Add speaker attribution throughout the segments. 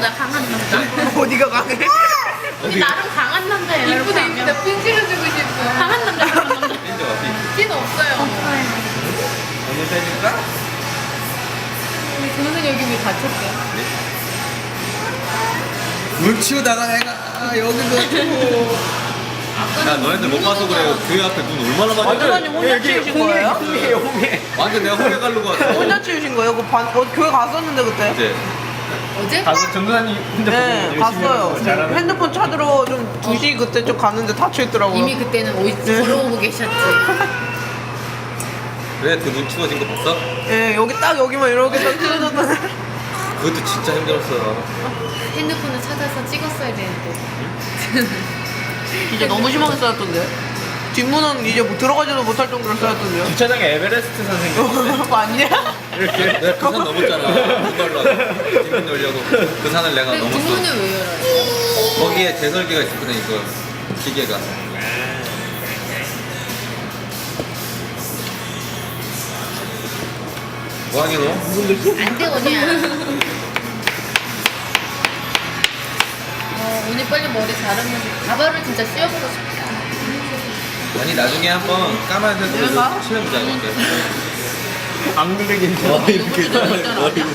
Speaker 1: 남자, 강한 남자.
Speaker 2: 어디가 강해?
Speaker 1: 우리 나름 강한 남자예요.
Speaker 3: 이쁘다 이쁘다 핀치를 주고 싶어.
Speaker 1: 강한 남자, 강한 남자.
Speaker 4: 핀도 어디?
Speaker 3: 핀 없어요.
Speaker 4: 오늘 해줄까?
Speaker 3: 우리 동생 여기 왜 다쳤대?
Speaker 4: 물 치우다가 내가 여기도 치고. 야 너네들 못 봐서 그래. 교회 앞에 눈 얼마나 많이
Speaker 2: 완전히 혼자 치우신 거예요?
Speaker 4: 홍해. 완전 내가 홍해 가려고 왔어.
Speaker 2: 혼자 치우신 거예요? 교회 갔었는데 그때?
Speaker 4: 이제
Speaker 3: 어제?
Speaker 5: 가서 전도사님 혼자
Speaker 2: 네,
Speaker 5: 보고
Speaker 2: 갔어요.
Speaker 5: 잘하는
Speaker 2: 핸드폰 찾으러 좀 2시 그때 좀 갔는데 닫혀있더라고요.
Speaker 3: 이미 그때는 걸어오고 계셨지.
Speaker 4: 그래 그 눈 치워진 거 봤어?
Speaker 2: 예, 여기 딱 여기만 이렇게 딱 찢어졌던.
Speaker 4: 그것도 진짜 힘들었어.
Speaker 3: 핸드폰을 찾아서 찍었어야 되는데.
Speaker 2: 진짜 너무 심하게 쌓였던데? 뒷문은 이제 뭐 들어가지도 못할 정도로 쌓였던데요?
Speaker 5: 주차장에 에베레스트 선생님
Speaker 2: 맞냐?
Speaker 5: 이렇게
Speaker 4: 내가 그 산 넘었잖아. 이걸로 뒷문 열려고 그 산을 내가
Speaker 3: 근데
Speaker 4: 넘었어.
Speaker 3: 뒷문을 왜 열어요?
Speaker 4: 거기에 제설기가 있었거든 이거 기계가. 뭐하니 너?
Speaker 3: 안 돼, 오냐. 오늘 빨리 머리 자르면 가발을 진짜 씌워보고 싶다.
Speaker 4: 아니 나중에 한번 까만색으로
Speaker 2: 내가?
Speaker 4: 칠해보자 이렇게.
Speaker 5: 안 그리긴 해.
Speaker 4: 이렇게 머리를.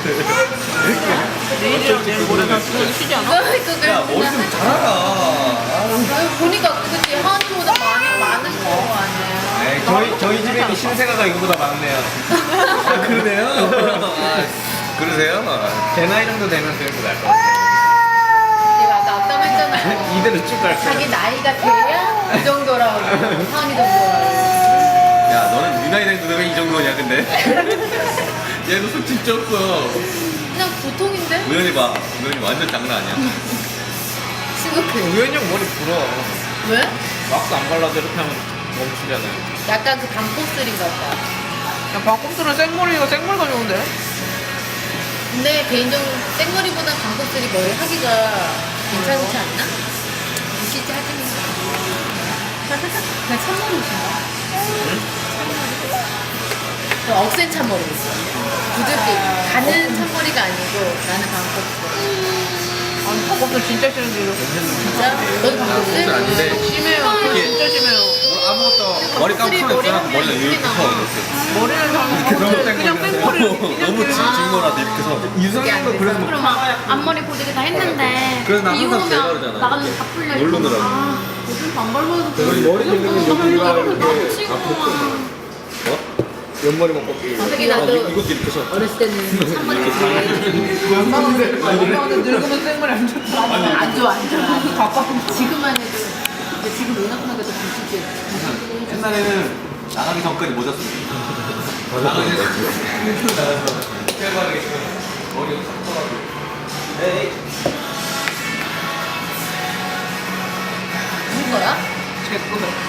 Speaker 2: 내일이랑 내일 모레 다 쉬지 않아?
Speaker 4: 야 머리 좀 잘하라.
Speaker 3: 보니까 그치 하은이보다 많은 거 아니야.
Speaker 5: 에이, 저희 집에 있는 신세가가 이거보다 많네요.
Speaker 4: 아 그러네요. 아, 그러세요?
Speaker 5: 제 나이 정도 되면 그래도 나을 것 같아요.
Speaker 3: 내가 아까 앞담했잖아요.
Speaker 5: 이대로 쭉 갈 거예요.
Speaker 3: 자기 나이가 돼야 이 정도라고. 하은이 정도라고.
Speaker 4: 야 너는 네 나이 된데 왜 이 정도냐 근데? 얘도 속 진짜 없어.
Speaker 3: 그냥 보통인데?
Speaker 4: 우연히 봐. 우연히 완전 장난 아니야.
Speaker 3: 시급해.
Speaker 5: 우연히 형 머리 불어.
Speaker 3: 왜?
Speaker 5: 왁스 안 발라도 이렇게 하면 멈추잖아요.
Speaker 3: 약간 그 감꽃슬인가 보다.
Speaker 2: 야, 박국수는 생머리가 생머리가 좋은데?
Speaker 3: 근데 개인적으로 생머리보다 감꽃슬이 머리 하기가 괜찮지 않나? 실제 하시는 그냥 참머리신가? 그 억센 참머리 있어. 부드럽게 가는 참머리가 아니고 나는 감꽃슬.
Speaker 2: 아니, 박국수 진짜 싫은데, 이거.
Speaker 3: 진짜? 너도 감꽃슬?
Speaker 4: 감꽃슬 아닌데.
Speaker 2: 심해요.
Speaker 4: 이게-
Speaker 2: 진짜 심해요.
Speaker 4: 아무것도 머리 감고
Speaker 3: 머리
Speaker 4: 있잖아.
Speaker 3: 한
Speaker 4: 머리가
Speaker 3: 번
Speaker 4: 이렇게
Speaker 3: 나와.
Speaker 4: 서 이렇게.
Speaker 2: 머리를 하면 그냥 생머리.
Speaker 4: 너무 직모라도 이렇게 서.
Speaker 5: 유성형도 그래서 뭐
Speaker 1: 그럼 막 앞머리 고데기 다 했는데
Speaker 4: 그래서 나
Speaker 1: 비
Speaker 4: 항상
Speaker 1: 오면
Speaker 4: 제거하잖아.
Speaker 1: 나가면 다 풀려.
Speaker 4: 모르느라고.
Speaker 1: 아, 요즘 안 발라도 돼.
Speaker 5: 머리 길르면 여기가 이렇게
Speaker 1: 치고
Speaker 5: 앞으로
Speaker 1: 막.
Speaker 4: 뭐?
Speaker 5: 옆머리만 꺾기.
Speaker 3: 되게 나도
Speaker 4: 이것도 이렇게 서.
Speaker 3: 어렸을 때는 참머리 좋아해.
Speaker 2: 엄마한테 늙으면 생머리 안 좋다.
Speaker 3: 안 좋아, 안 좋아. 지금만 해도. 근데 지금 은하분하게 더 부실지.
Speaker 4: 옛날에는 나가기 전까지 모자 쓰고. 나가기 나가서 깨발하게 머리 싹 떠가지고. 에이.
Speaker 3: 누군 거야?
Speaker 2: 제 거요.